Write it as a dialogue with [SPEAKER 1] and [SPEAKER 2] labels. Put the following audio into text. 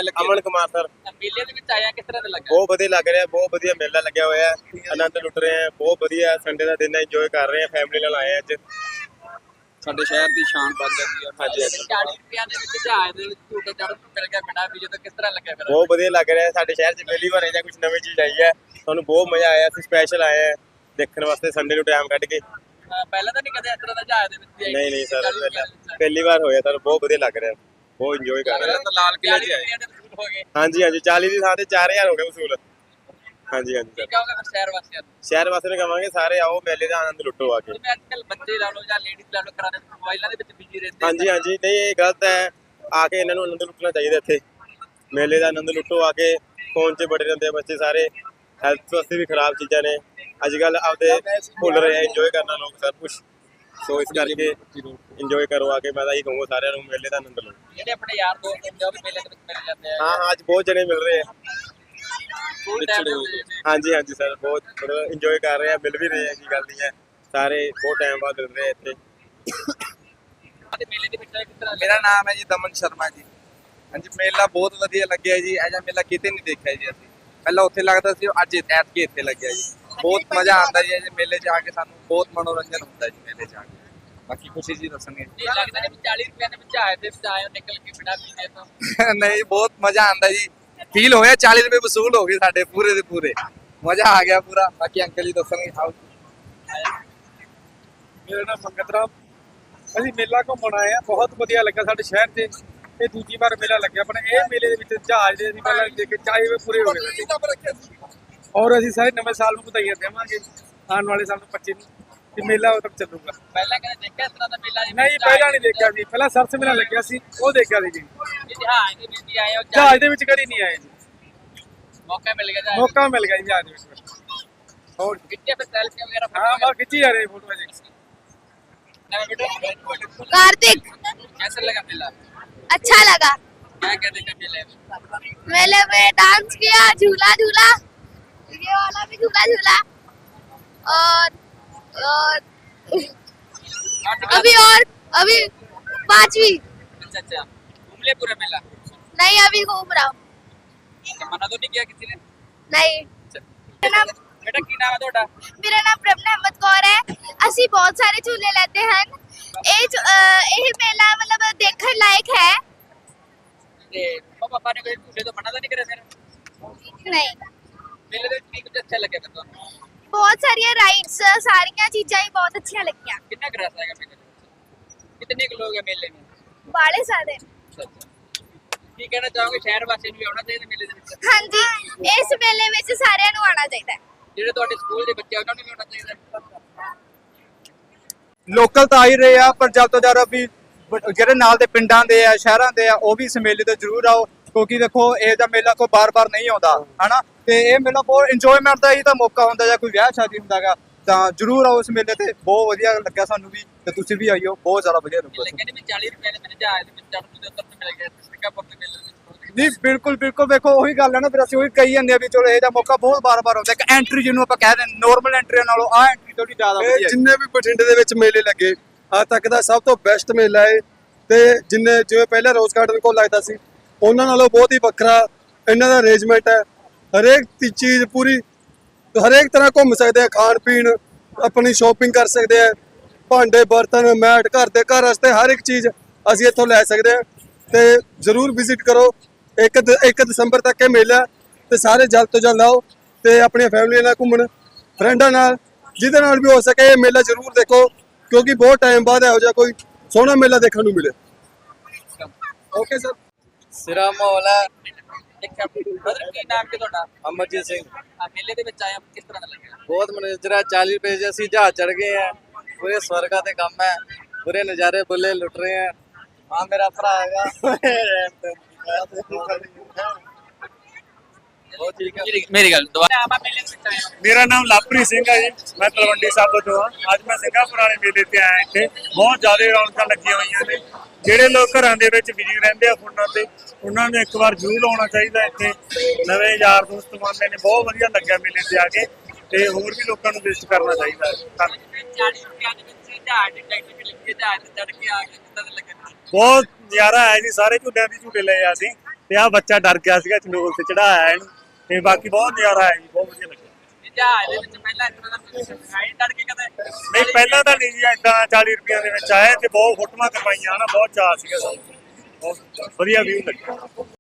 [SPEAKER 1] ਲੱਗੇ?
[SPEAKER 2] ਅਮਨ ਕੁਮਾਰ ਸਰ।
[SPEAKER 1] ਮੇਲੇ ਦੇ ਵਿੱਚ ਆਇਆ ਕਿਸ ਤਰ੍ਹਾਂ ਦਾ ਲੱਗਾ?
[SPEAKER 2] ਬਹੁਤ ਵਧੀਆ ਲੱਗ ਰਿਹਾ, ਬਹੁਤ ਵਧੀਆ ਮੇਲਾ ਲੱਗਿਆ ਹੋਇਆ ਹੈ। ਆਨੰਦ ਲੁੱਟ ਰਹੇ ਆ, ਬਹੁਤ ਵਧੀਆ ਸੰਡੇ ਦਾ ਦਿਨ ਹੈ, ਇੰਜੋਏ ਕਰ ਰਹੇ ਆ, ਫੈਮਿਲੀ ਨਾਲ ਆਏ ਅੱਜ।
[SPEAKER 1] ਸਾਡੇ ਸ਼ਹਿਰ ਦੀ ਸ਼ਾਨ ਵੱਧ ਜਾਂਦੀ ਹੈ।
[SPEAKER 2] ਹਾਂਜੀ ਹਾਂਜੀ
[SPEAKER 1] 40 ਰੁਪਿਆਂ ਦੇ ਵਿੱਚ ਜਹਾਜ਼ ਦੇ ਵਿੱਚ ਝੂਟੇ ਚੜ੍ਹਨ ਨੂੰ ਮਿਲ ਗਿਆ ਬਿਨਾਂ ਵੀ ਜਦੋਂ ਕਿਸ ਤਰ੍ਹਾਂ ਲੱਗਿਆ ਫਿਰ?
[SPEAKER 2] ਬਹੁਤ ਵਧੀਆ ਲੱਗ ਰਿਹਾ, ਸਾਡੇ ਸ਼ਹਿਰ 'ਚ ਪਹਿਲੀ ਵਾਰ ਜਾਂ ਕੁਝ ਨਵੀਂ ਚੀਜ਼ ਆਈ ਹੈ, ਸਾਨੂੰ ਬਹੁਤ ਮਜ਼ਾ ਆਇਆ। ਅਸੀਂ ਸਪੈਸ਼ਲ ਆਏ ਆ ਦੇਖਣ ਵਾਸਤੇ ਸੰਡੇ ਨੂੰ ਟਾਈਮ ਕੱਢ ਕੇ।
[SPEAKER 1] ਪਹਿਲਾਂ ਤਾਂ ਨਹੀਂ ਕਦੇ ਇਸ ਤਰ੍ਹਾਂ ਦਾ ਜਹਾਜ਼ ਦੇ ਵਿੱਚ ਵੀ ਆਏ?
[SPEAKER 2] ਨਹੀਂ ਨਹੀਂ ਸਰ, ਪਹਿਲੀ ਵਾਰ ਹੋਇਆ ਸਰ, ਬਹੁਤ ਵਧੀਆ ਲੱਗ ਰਿਹਾ, ਬਹੁਤ ਇੰਜੋਏ ਕਰ ਰਹੇ
[SPEAKER 1] ਤਾਂ ਲਾਲ ਕਿਲੇ 'ਚ ਆਏ ਹੋ ਗਏ।
[SPEAKER 2] ਹਾਂਜੀ ਹਾਂਜੀ 40 ਦੀ ਥਾਂ ਤੇ 4000 ਹੋ ਗਿਆ ਵਸੂਲ। ਹਾਂਜੀ ਹਾਂਜੀ
[SPEAKER 1] ਕੀ ਕਹੋਗੇ ਫਿਰ ਸ਼ਹਿਰ ਵਾਸੀਆਂ ਨੂੰ?
[SPEAKER 2] ਸ਼ਹਿਰ ਵਾਸੀਆਂ ਨੂੰ ਕਹਾਂਗੇ ਸਾਰੇ ਆਓ, ਮੇਲੇ ਦਾ ਆਨੰਦ ਲੁੱਟੋ ਆ ਕੇ।
[SPEAKER 1] ਜਿਵੇਂ ਅੱਜ ਕੱਲ ਬੱਚੇ ਲਾ ਲਓ ਜਾਂ ਲੇਡੀਜ਼ ਲਾ ਲਓ ਘਰਾਂ ਦੇ ਮੋਬਾਈਲਾਂ ਦੇ ਵਿੱਚ ਬਿਜੀ ਰਹਿੰਦੇ
[SPEAKER 2] ਹਾਂਜੀ ਹਾਂਜੀ ਨਹੀਂ ਇਹ ਗਲਤ ਹੈ, ਆ ਕੇ ਇਹਨਾਂ ਨੂੰ ਆਨੰਦ ਲੁੱਟਣਾ ਚਾਹੀਦਾ। ਇੱਥੇ ਮੇਲੇ ਦਾ ਆਨੰਦ ਲੁੱਟੋ ਆ ਕੇ। ਫੋਨ 'ਚ ਬੜੇ ਰਹਿੰਦੇ ਆ ਬੱਚੇ ਸਾਰੇ, ਹੈਲਥ ਵਾਸਤੇ ਵੀ ਖਰਾਬ ਚੀਜ਼ਾਂ ਨੇ ਅੱਜ ਕੱਲ, ਆਪਦੇ ਭੁੱਲ ਰਹੇ ਆ ਇੰਜੋਏ ਕਰਨਾ ਲੋਕ ਸਭ ਕੁਝ। ਸੋ ਇਸ ਕਰਕੇ ਇੰਜੋਏ ਕਰੋ ਆ ਕੇ। ਮੈਂ ਤਾਂ ਇਹੀ ਕਹੂੰਗਾ ਸਾਰਿਆਂ ਨੂੰ, ਮੇਲੇ ਦਾ ਆਨੰਦ ਲਓ।
[SPEAKER 1] ਜਿਹੜੇ ਆਪਣੇ ਯਾਰ ਦੋਸਤ ਹੁੰਦੇ ਆ ਉਹ ਵੀ ਮੇਲੇ ਦੇ ਵਿੱਚ ਮਿਲ ਜਾਂਦੇ ਆ।
[SPEAKER 2] ਹਾਂ ਹਾਂ ਅੱਜ ਬਹੁਤ ਜਣੇ ਮਿਲ ਰਹੇ ਆ।
[SPEAKER 1] ਸਕੂਲ ਟਾਈਮ ਦੇ ਵਿੱਚ
[SPEAKER 2] ਹਾਂਜੀ ਹਾਂਜੀ ਸਰ, ਬਹੁਤ ਮਤਲਬ ਇੰਜੋਏ ਕਰ ਰਹੇ ਆ, ਮਿਲ ਵੀ ਰਹੇ ਆ, ਕੀ ਗੱਲ ਨਹੀਂ ਹੈ। ਸਾਰੇ ਬਹੁਤ ਟਾਈਮ ਬਾਅਦ ਮਿਲ ਰਹੇ ਆ ਇੱਥੇ।
[SPEAKER 1] ਤੇ ਮੇਲੇ ਦੇ ਵਿੱਚ ਕਿਸ ਤਰ੍ਹਾਂ?
[SPEAKER 3] ਮੇਰਾ ਨਾਮ ਹੈ ਜੀ ਦਮਨ ਸ਼ਰਮਾ ਜੀ। ਹਾਂਜੀ ਮੇਲਾ ਬਹੁਤ ਵਧੀਆ ਲੱਗਿਆ ਜੀ। ਇਹ ਜਿਹਾ ਮੇਲਾ ਕਿਤੇ ਨਹੀਂ ਦੇਖਿਆ ਜੀ ਅਸੀਂ। ਪਹਿਲਾਂ ਉੱਥੇ ਲੱਗਦਾ ਸੀ, ਅੱਜ ਐਤਕੀ ਇੱਥੇ ਲੱਗਿਆ ਜੀ। ਬਹੁਤ ਮਜ਼ਾ ਆਉਂਦਾ ਜੀ ਇਹ ਮੇਲੇ 'ਚ ਆ ਕੇ, ਸਾਨੂੰ ਬਹੁਤ ਮਨੋਰੰਜਨ ਹੁੰਦਾ ਜੀ ਮੇਲੇ 'ਚ ਆ ਕੇ। ਬਾਕੀ ਖੁਸ਼ੀ ਜੀ ਦੱਸਣਗੇ।
[SPEAKER 1] ਇਹ ਲੱਗਦਾ ਨਹੀਂ ਵੀ 40 ਰੁਪਿਆਂ ਦੇ ਵਿੱਚ ਜਹਾਜ਼ ਦੇ ਵਿੱਚ ਆਏ ਹੋ ਨਿਕਲ ਕੇ ਬਿਨਾਂ ਪੀਏ ਤੋਂ?
[SPEAKER 3] ਨਹੀਂ ਬਹੁਤ ਮਜ਼ਾ ਆਉਂਦਾ ਜੀ, ਫੀਲ ਹੋਇਆ 40 ਰੁਪਏ ਵਸੂਲ ਹੋ ਗਏ ਸਾਡੇ ਪੂਰੇ ਦੇ ਪੂਰੇ। ਮਜ਼ਾ ਆ ਗਿਆ ਪੂਰਾ। ਬਾਕੀ ਅੰਕਲ ਜੀ ਦੱਸਣਗੇ।
[SPEAKER 4] ਮੇਰਾ ਨਾਮ ਮੰਗਤ ਰਾਮ। ਅਸੀਂ ਮੇਲਾ ਘੁੰਮਣ ਆਏ ਆ, ਬਹੁਤ ਵਧੀਆ ਲੱਗਾ ਸਾਡੇ ਸ਼ਹਿਰ 'ਚ। ਇਹ ਦੂਜੀ ਵਾਰ ਮੇਲਾ ਲੱਗਿਆ ਆਪਣਾ। ਇਹ ਮੇਲੇ ਦੇ ਵਿੱਚ ਜਹਾਜ਼ ਦੇ ਅਸੀਂ ਪਹਿਲਾਂ ਦੇਖ ਕੇ 40 ਰੁਪਏ ਪੂਰੇ ਹੋ ਗਏ ਸਾਡੇ। ਔਰ ਅਸੀਂ ਸਾਰੇ ਨਵੇਂ ਸਾਲ ਨੂੰ ਵਧਾਈਆਂ ਦੇਵਾਂਗੇ, ਆਉਣ ਵਾਲੇ ਸਾਲ ਨੂੰ 25 ਨੂੰ, ਤੇ ਮੇਲਾ ਉਦੋਂ ਤੱਕ ਚੱਲੂਗਾ।
[SPEAKER 1] ਪਹਿਲਾਂ ਕਦੇ ਦੇਖਿਆ ਇਸ ਤਰ੍ਹਾਂ ਦਾ ਮੇਲਾ?
[SPEAKER 4] ਨਹੀਂ ਪਹਿਲਾਂ ਨਹੀਂ ਦੇਖਿਆ ਸੀ, ਪਹਿਲਾਂ ਸਰਸ ਮੇਲਾ ਲੱਗਿਆ ਸੀ, ਉਹ ਦੇਖਿਆ ਸੀ ਜੀ।
[SPEAKER 1] ਜਹਾਜ਼ ਦੇ ਵਿੱਚ ਆਏ ਹੋ
[SPEAKER 4] ਜਹਾਜ਼ ਦੇ ਵਿੱਚ ਕਦੀ ਨਹੀਂ ਆਏ ਜੀ,
[SPEAKER 1] ਮੌਕਾ ਮਿਲ ਗਿਆ ਜਹਾਜ਼?
[SPEAKER 4] ਮੌਕਾ ਮਿਲ ਗਿਆ ਜੀ ਜਹਾਜ਼ ਦੇ ਵਿੱਚ।
[SPEAKER 1] ਹੋਰ ਕਿੱਥੇ ਫਿਰ ਸੈਲਫੀ ਵਗੈਰਾ?
[SPEAKER 4] ਹਾਂ ਬਸ ਖਿੱਚੀ ਜਾ ਰਹੇ ਫੋਟੋ ਜੀ।
[SPEAKER 5] कार्तिक,
[SPEAKER 1] कैसा लगा मेला?
[SPEAKER 5] अच्छा लगा।
[SPEAKER 1] क्या क्या देखा मेले में?
[SPEAKER 5] मेले में डांस किया, झूला झूला, ये वाला भी झूला झूला, और अभी 5वीं।
[SPEAKER 1] अच्छा अच्छा, घूम ले पूरा मेला?
[SPEAKER 5] नहीं अभी घूम रहा हूँ।
[SPEAKER 1] तो मना तो नहीं किया किसी ने?
[SPEAKER 5] नहीं।
[SPEAKER 1] बेटा की नाम है ਤੁਹਾਡਾ?
[SPEAKER 5] मेरा नाम प्रभना अहमद कौर है। ਅਸੀਂ ਬਹੁਤ ਸਾਰੇ ਝੂਲੇ ਲੈਂਦੇ ਹਨ। ਇਹ ਮੇਲਾ ਮਤਲਬ ਦੇਖਣ ਲਾਇਕ ਹੈ।
[SPEAKER 1] ਤੇ ਪਾਪਾ ਨੇ ਕੋਈ ਝੂਲੇ ਤੋਂ ਮਨਾ ਤਾਂ ਨਹੀਂ ਕਰਿਆ ਫਿਰ?
[SPEAKER 5] ਨਹੀਂ,
[SPEAKER 1] ਮੇਲੇ ਦੇ ਵਿੱਚ ਕੀ ਕੁਝ ਅੱਛਾ ਲੱਗਿਆ ਫਿਰ ਤੁਹਾਨੂੰ?
[SPEAKER 5] ਬਹੁਤ ਸਾਰੀਆਂ ਰਾਈਡਸ, ਸਾਰੀਆਂ ਚੀਜ਼ਾਂ ਹੀ ਬਹੁਤ ਅੱਛੀਆਂ ਲੱਗੀਆਂ।
[SPEAKER 1] कितना क्रश आएगा मेले में? कितने के लोग हैं मेले में?
[SPEAKER 5] ਬਾਲੇ ਸਾਰੇ।
[SPEAKER 1] ਕੀ ਕਹਿਣਾ ਚਾਹੋਗੇ ਸ਼ਹਿਰ ਵਾਸੀਆਂ ਨੂੰ ਵੀ ਆਉਣਾ ਚਾਹੀਦਾ ਮੇਲੇ ਦੇ ਵਿੱਚ?
[SPEAKER 5] ਹਾਂਜੀ, ਇਸ ਮੇਲੇ ਵਿੱਚ ਸਾਰਿਆਂ ਨੂੰ ਆਉਣਾ ਚਾਹੀਦਾ ਹੈ।
[SPEAKER 1] ਜਿਹੜੇ ਤੁਹਾਡੇ ਸਕੂਲ ਦੇ ਬੱਚੇ ਆ ਉਹਨਾਂ ਨੂੰ ਵੀ ਆਉਣਾ ਚਾਹੀਦਾ?
[SPEAKER 3] ਲੋਕਲ ਤਾਂ ਆ ਹੀ ਰਹੇ ਆ, ਪਰ ਜਦ ਤੋਂ ਜ਼ਿਆਦਾ ਵੀ ਜਿਹੜੇ ਨਾਲ ਦੇ ਪਿੰਡਾਂ ਦੇ ਆ, ਸ਼ਹਿਰਾਂ ਦੇ ਆ, ਉਹ ਵੀ ਇਸ ਮੇਲੇ ਤੇ ਜ਼ਰੂਰ ਆਓ, ਕਿਉਂਕਿ ਦੇਖੋ ਇਹ ਦਾ ਮੇਲਾ ਕੋਈ ਬਾਰ-ਬਾਰ ਨਹੀਂ ਆਉਂਦਾ ਹਨਾ। ਤੇ ਇਹ ਮੇਲਾ ਬਹੁਤ ਇੰਜੋਇਮੈਂਟ ਦਾ ਹੀ ਤਾਂ ਮੌਕਾ ਹੁੰਦਾ, ਜਾਂ ਕੋਈ ਵਿਆਹ ਸ਼ਾਦੀ ਹੁੰਦਾਗਾ ਤਾਂ ਜ਼ਰੂਰ ਆਓ ਇਸ ਮੇਲੇ ਤੇ। ਬਹੁਤ ਵਧੀਆ ਲੱਗਿਆ ਸਾਨੂੰ ਵੀ, ਤੇ ਤੁਸੀਂ ਵੀ ਆਈਓ, ਬਹੁਤ ਜ਼ਿਆਦਾ ਵਧੀਆ ਲੱਗਿਆ।
[SPEAKER 1] ਕਹਿੰਦੇ ਵੀ 40 ਰੁਪਏ ਦੇ ਵਿੱਚ ਜਹਾਜ਼ ਦੇ ਵਿੱਚ ਚੜ੍ਹਨ ਨੂੰ ਉੱਤਰ ਨੂੰ ਮਿਲ ਗਿਆ ਸਿੰਗਾਪੁਰ ਦੇ ਮੇਲੇ ਵਿੱਚ।
[SPEAKER 3] ਨਹੀਂ ਬਿਲਕੁਲ ਬਿਲਕੁਲ, ਵੇਖੋ ਉਹੀ ਗੱਲ ਹੈ ਨਾ, ਫਿਰ ਅਸੀਂ ਉਹੀ ਕਹੀ ਜਾਂਦੇ ਆ ਵੀ ਚਲੋ ਇਹਦਾ ਮੌਕਾ ਬਹੁਤ ਬਾਰ-ਬਾਰ ਆਉਂਦਾ। ਇੱਕ ਐਂਟਰੀ ਜਿਹਨੂੰ ਆਪਾਂ ਕਹਿ ਦਿੰਦੇ ਨੋਰਮਲ ਐਂਟਰੀ ਨਾਲੋਂ ਆ ਐਂਟਰੀ ਥੋੜੀ ਜ਼ਿਆਦਾ ਵਧੀਆ ਹੈ।
[SPEAKER 6] ਜਿੰਨੇ ਵੀ ਬਠਿੰਡੇ ਦੇ ਵਿੱਚ ਮੇਲੇ ਲੱਗੇ ਅੱਜ ਤੱਕ ਦਾ ਸਭ ਤੋਂ ਬੈਸਟ ਮੇਲਾ ਹੈ। ਤੇ ਜਿਵੇਂ ਪਹਿਲਾਂ ਰੋਜ਼ ਗਾਰਡਨ ਕੋਲ ਲੱਗਦਾ ਸੀ, ਉਹਨਾਂ ਨਾਲੋਂ ਬਹੁਤ ਹੀ ਵੱਖਰਾ ਇਹਨਾਂ ਦਾ ਅਰੇਂਜਮੈਂਟ ਹੈ। ਹਰੇਕ ਚੀਜ਼ ਪੂਰੀ, ਹਰੇਕ ਤਰ੍ਹਾਂ ਘੁੰਮ ਸਕਦੇ ਆ, ਖਾਣ ਪੀਣ, ਆਪਣੀ ਸ਼ਾਪਿੰਗ ਕਰ ਸਕਦੇ ਆ, ਭਾਂਡੇ ਬਰਤਨ ਮੈਟ, ਘਰ ਦੇ ਘਰ ਵਾਸਤੇ ਹਰ ਇੱਕ ਚੀਜ਼ ਅਸੀਂ ਇੱਥੋਂ ਲੈ ਸਕਦੇ ਆ। ਤੇ ਜ਼ਰੂਰ ਵਿਜ਼ਿਟ ਕਰੋ। 1 ਦਸੰਬਰ ਤੱਕ ਇਹ ਮੇਲਾ, ਤੇ ਸਾਰੇ ਜਲਦ ਤੋਂ ਜਲਦ ਆਓ ਤੇ ਆਪਣੀਆਂ ਫੈਮਲੀਆਂ ਨਾਲ ਘੁੰਮਣ, ਫਰੈਂਡਾਂ ਨਾਲ, ਜਿਹਦੇ ਨਾਲ ਵੀ ਹੋ ਸਕੇ ਇਹ ਮੇਲਾ ਜ਼ਰੂਰ ਦੇਖੋ, ਕਿਉਂਕਿ ਬਹੁਤ ਟਾਈਮ ਬਾਅਦ ਇਹੋ ਜਿਹਾ ਕੋਈ ਸੋਹਣਾ ਮੇਲਾ ਦੇਖਣ ਨੂੰ ਮਿਲੇ। Okay sir.
[SPEAKER 3] ਸਿਰਾ ਮਾਹੌਲ ਹੈ।
[SPEAKER 1] ਦੇਖਿਆ ਬ੍ਰਦਰ, ਕੀ ਨਾਮ ਹੈ ਤੁਹਾਡਾ?
[SPEAKER 3] ਅਮਰਜੀਤ ਸਿੰਘ।
[SPEAKER 1] ਆ ਮੇਲੇ ਦੇ ਵਿੱਚ ਆਇਆ, ਕਿਸ ਤਰ੍ਹਾਂ ਦਾ ਲੱਗਿਆ?
[SPEAKER 3] ਬਹੁਤ ਮਨੋਰੰਜਨ। 40 ਰੁਪਏ 'ਚ ਅਸੀਂ ਜਹਾਜ਼ ਚੜ ਗਏ ਆ, ਪੂਰੇ ਸਵਰਗਾ ਤੇ ਕੰਮ ਹੈ, ਪੂਰੇ ਨਜ਼ਾਰੇ ਬੁੱਲੇ ਲੁੱਟ ਰਹੇ ਆ। ਆ ਮੇਰਾ ਭਰਾ ਹੈਗਾ। ਬਹੁਤ ਠੀਕ ਹੈ।
[SPEAKER 1] ਮੇਰੀ ਗੱਲ ਦੁਬਾਰਾ ਆਪਾਂ ਮੇਲੇ ਦੇ ਵਿੱਚ ਆਏ ਹਾਂ।
[SPEAKER 4] ਮੇਰਾ ਨਾਮ ਲਵਪ੍ਰੀਤ ਸਿੰਘ ਹੈ ਜੀ, ਮੈਂ ਤਲਵੰਡੀ ਸਾਬੋ ਤੋਂ ਹਾਂ। ਅੱਜ ਮੈਂ ਸਿੰਗਾਪੁਰ ਵਾਲੇ ਮੇਲੇ ਤੇ ਆਇਆ। ਇੱਥੇ ਬਹੁਤ ਜ਼ਿਆਦਾ ਰੌਣਕਾਂ ਲੱਗੀਆਂ ਹੋਈਆਂ ਨੇ। ਜਿਹੜੇ ਲੋਕ ਘਰਾਂ ਦੇ ਵਿੱਚ ਬਿਜੀ ਰਹਿੰਦੇ ਆ ਫੋਨਾਂ ਤੇ, ਉਹਨਾਂ ਨੂੰ ਇੱਕ ਵਾਰ ਜ਼ਰੂਰ ਆਉਣਾ ਚਾਹੀਦਾ। ਇੱਥੇ ਨਵੇਂ ਯਾਰ ਦੋਸਤ ਬਣਦੇ ਨੇ, ਬਹੁਤ ਵਧੀਆ ਲੱਗਿਆ ਮੇਲੇ ਤੇ ਆ ਕੇ, ਤੇ ਹੋਰ ਵੀ ਲੋਕਾਂ ਨੂੰ ਵਿਜ਼ਿਟ ਕਰਨਾ ਚਾਹੀਦਾ।
[SPEAKER 1] 40 ਰੁਪਏ ਦੇ ਵਿੱਚ ਜਹਾਜ਼ ਦੀ ਟਿਕਟ ਵੀ ਲੱਗੀ, ਜਹਾਜ਼ ਤੇ ਚੜ੍ਹ ਕੇ ਆ ਕੇ ਕਿੱਦਾਂ ਦਾ ਲੱਗਿਆ?
[SPEAKER 4] ਬਹੁਤ ਨਜ਼ਾਰਾ ਆਇਆ ਜੀ, ਸਾਰੇ ਝੂਲਿਆਂ ਦੀ ਝੂਲੇ ਲਏ ਅਸੀਂ, ਤੇ ਆ ਬੱਚਾ ਡਰ ਗਿਆ ਸੀਗਾ ਚੰਡੋਲ ਤੇ ਚੜਾਇਆ ਇਹਨੂੰ ਤੇ ਬਾਕੀ ਬਹੁਤ ਨਜ਼ਾਰਾ ਆਇਆ ਜੀ, ਬਹੁਤ ਵਧੀਆ ਲੱਗਿਆ।
[SPEAKER 1] ਇਹ ਜਹਾਜ਼ ਦੇ ਵਿੱਚ ਪਹਿਲਾਂ ਇਸ ਤਰ੍ਹਾਂ ਦਾ ਸਿਖਾਈ ਡਰ ਕੇ ਕਦੇ
[SPEAKER 4] ਨਹੀਂ ਪਹਿਲਾਂ ਤਾਂ ਨਹੀਂ ਜੀ ਏਦਾਂ 40 ਰੁਪਈਆਂ ਦੇ ਵਿੱਚ ਆਏ ਤੇ ਬਹੁਤ ਫੋਟੋਆਂ ਕਰਵਾਈਆਂ ਨਾ, ਬਹੁਤ ਚਾਅ ਸੀਗਾ ਸਾਨੂੰ, ਬਹੁਤ ਵਧੀਆ ਵੀਊ ਲੱਗਿਆ।